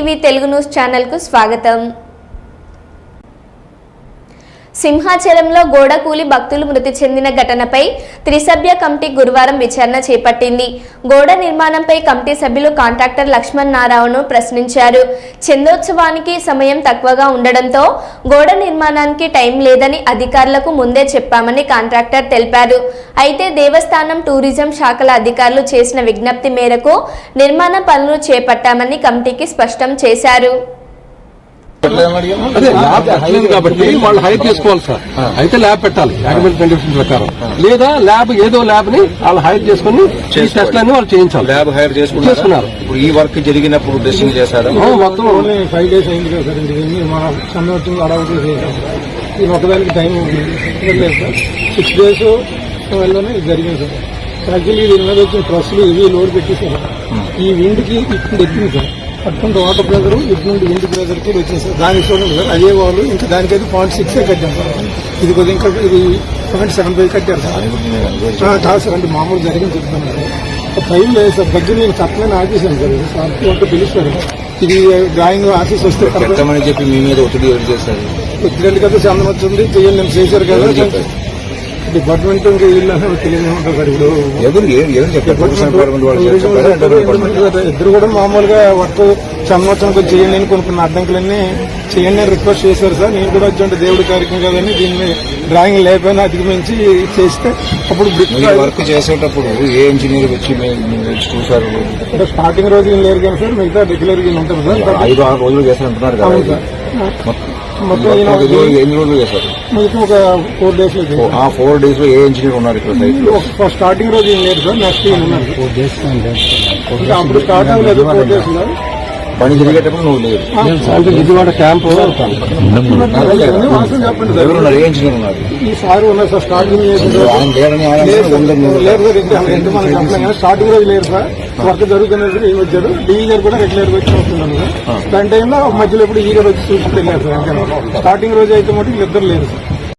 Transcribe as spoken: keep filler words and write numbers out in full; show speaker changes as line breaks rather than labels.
TV Telugu news channel కు స్వాగతం. సింహాచలంలో గోడకూలి భక్తులు మృతి చెందిన ఘటనపై త్రిసభ్య కమిటీ గురువారం విచారణ చేపట్టింది. గోడ నిర్మాణంపై కమిటీ సభ్యులు కాంట్రాక్టర్ లక్ష్మణ్ నారాయణను ప్రశ్నించారు. చందోత్సవానికి సమయం తక్కువగా ఉండడంతో గోడ నిర్మాణానికి టైం లేదని అధికారులకు ముందే చెప్పామని కాంట్రాక్టర్ తెలిపారు. అయితే దేవస్థానం, టూరిజం శాఖల అధికారులు చేసిన విజ్ఞప్తి మేరకు నిర్మాణ పనులు చేపట్టామని కమిటీకి స్పష్టం చేశారు.
అదే ల్యాబ్ కాబట్టి వాళ్ళు హైర్ చేసుకోవాలి సార్. అయితే ల్యాబ్ పెట్టాలి యాక్టివిటీ కండిషన్ ప్రకారం, లేదా ల్యాబ్ ఏదో ల్యాబ్ ని వాళ్ళు హైర్ చేసుకుని టెస్ట్ అన్ని వాళ్ళు చేయించాలి.
ల్యాబ్ హైర్ చేసుకున్నారు. ఇప్పుడు ఈ వర్క్ జరిగినప్పుడు టెస్టింగ్ చేశారు.
మొత్తం
ఫైవ్ డేస్ అయింది కదా సార్. ఇది మన సంవత్సరం అడవులు చేసాం. ఇది ఒకదానికి టైం లేదు సార్. సిక్స్ డేస్ వల్లనే జరిగింది సార్. యాక్చువల్లీ దీని మీద వచ్చిన ట్రస్సులు ఇవి లోడ్ పెట్టేసారు. ఈ విండ్ కి ఇప్పుడు ఎక్కింది సార్. పట్టుకుంటే వాటర్ ప్రెజర్ ఇటు నుండి విండ్ ప్రెజర్ కూడా వచ్చింది సార్. దానికి చూడండి సార్, అదే వాళ్ళు ఇంకా దానికైతే పాయింట్ సిక్స్ కట్టాం సార్. ఇది కొద్దిగా ఇంకా ఇది పాయింట్ సెవెన్ ఫైవ్ కట్టారు సార్. కాదు సార్, అంటే మామూలు జరిగింది చెప్తాను సార్. టైం లేదు సార్. దగ్గర నేను చెప్పలేని ఆఫీసాను సార్. సార్ పిలుస్తారు. ఇది డ్రాయింగ్ ఆఫీస్ వస్తే
చెప్పి మీ మీద ఒత్తిడి ఎవరు చేశారు?
ఒత్తిడి కదా చందనం వచ్చింది చేయాలి నేను చేశారు కదా. డిపార్ట్మెంట్ ఇంకా వీళ్ళు తెలియదు ఉంటారు సార్. ఇప్పుడు ఇద్దరు కూడా మామూలుగా వర్క్ సంవత్సరం చేయండి అని కొనుక్కున్న అడ్డంకులన్నీ చేయండి అని రిక్వెస్ట్ చేశారు సార్. నేను కూడా వచ్చి దేవుడి కార్యక్రమం కదని దీన్ని డ్రాయింగ్ లేకపోయినా అధిగమించి చేస్తే అప్పుడు
వర్క్ చేసేటప్పుడు ఏ ఇంజనీర్ వచ్చి చూసారు?
అంటే స్టార్టింగ్ రోజు లేరు కానీ సార్, మిగతా రెగ్యులర్ గా ఉంటుంది సార్.
ఐదు ఆరు రోజులు చేస్తారంటున్నారు కదా మొత్తం ఎన్ని రోజులు చేశారు?
మిగతా ఒక ఫోర్ డేస్ లో.
ఆ ఫోర్ డేస్ లో ఏ ఇంజనీర్ ఉన్నారు ఇక్కడ సైట్ లో?
స్టార్టింగ్ రోజు ఏం లేదు సార్, నెక్స్ట్ ఏం ఉన్నారు. అప్పుడు స్టార్ట్ అవ్వలేదు ఫోర్ డేస్ లో.
పని జరిగేటప్పుడు నువ్వు లేదు.
విజయవాడ క్యాంపు
ఎవరున్నారు? ఏ ఇంజనీర్ ఉన్నారు?
ఈ సార్ ఉన్నారు సార్. స్టార్టింగ్ లేదు సార్. స్టార్టింగ్ రోజు లేరు సార్. వర్క్ జరుగుతున్నది ఏం వచ్చారు. డీజర్ కూడా రెగ్యులర్ గా వచ్చి వస్తున్నాను సార్. దాని టైంలో మధ్యలో ఇప్పుడు ఈ రోజు వచ్చి చూసి వెళ్ళారు సార్. స్టార్టింగ్ రోజు అయితే మటు ఇద్దరు లేరు సార్.